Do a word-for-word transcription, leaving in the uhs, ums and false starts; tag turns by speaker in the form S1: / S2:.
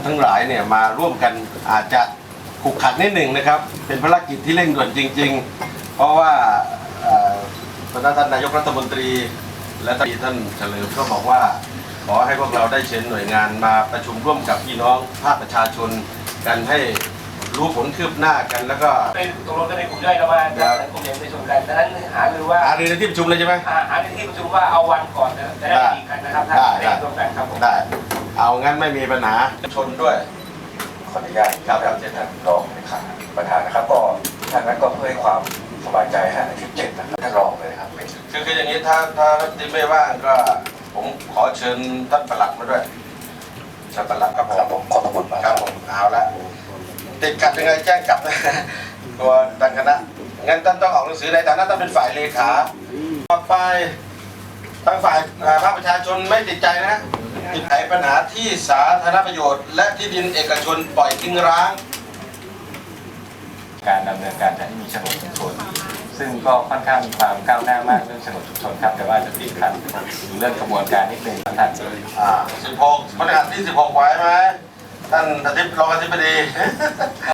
S1: ทั้งหลายเนี่ยมาร่วมกันอาจจะขุกขัดนิดหนึ่งนะครับเป็นภารกิจที่เร่งด่วนจริงๆเพราะว่าท่านนายกรัฐมนตรีและท่านเฉลิมก็บอกว่าขอให้พวกเราได้เชิญหน่วยงานมาประชุมร่วมกับพี่น้องภาคประชาชนกันให้รู้ผลคืบหน้ากันแล้วก็
S2: เป็นตกลงกันในกลุ่มย่อยกันว่ากลุ่มใหญ่ประชุมกันดังนั้นหารือว่า
S1: หารือในที่ประชุมเลยใช่ไหม
S2: หาในที่ประชุมว่าเอาวันก่อนนะจะได้ดีกันนะครับ
S1: ได้
S2: ได้ตรงกันครับผม
S1: ได้เอางั้นไม่มีปัญหาชนด้วย
S3: ขออนุญาตครับท่านรองเลขาประธานนะครับก็ทางนั้นก็เพื่อให้ความสบายใจให้อาทิตย์เจ็ดนะครับท่านรองเลยครับ
S1: คือคืออย่างนี้ถ้าถ้ารัฐมนตรีไม่ว่างก็ผมขอเชิญท่านปลัดมาด้วยท่านปลัดครับ
S3: ผมขอบคุณมาก
S1: ครับผมเอาละติดขัดยังไงแจ้งกลับนะตัวดังคณะงั้นท่านต้องออกหนังสือในฐานะท่านเป็นฝ่ายเลขาต่อไปทางฝ่ายภาคประชาชนไม่ติดใจนะติดไขปัญหาที่สาธารณประโยชน์และที่ดินเอกชนปล่อยทิ้งร้าง
S3: การดำเนินการจัดให้มีโฉนดชุมชนซึ่งก็ค่อนข้างมีความก้าวหน้ามากเรื่องโฉนดชุมชนครับแต่ว่าจะติดขัดเรื่องกระบวนการนิดนึงท่าน
S1: อ่าสิบหกพฤหัสที่สิบหกไว้ไหมท่านอธิบรองอธิบดี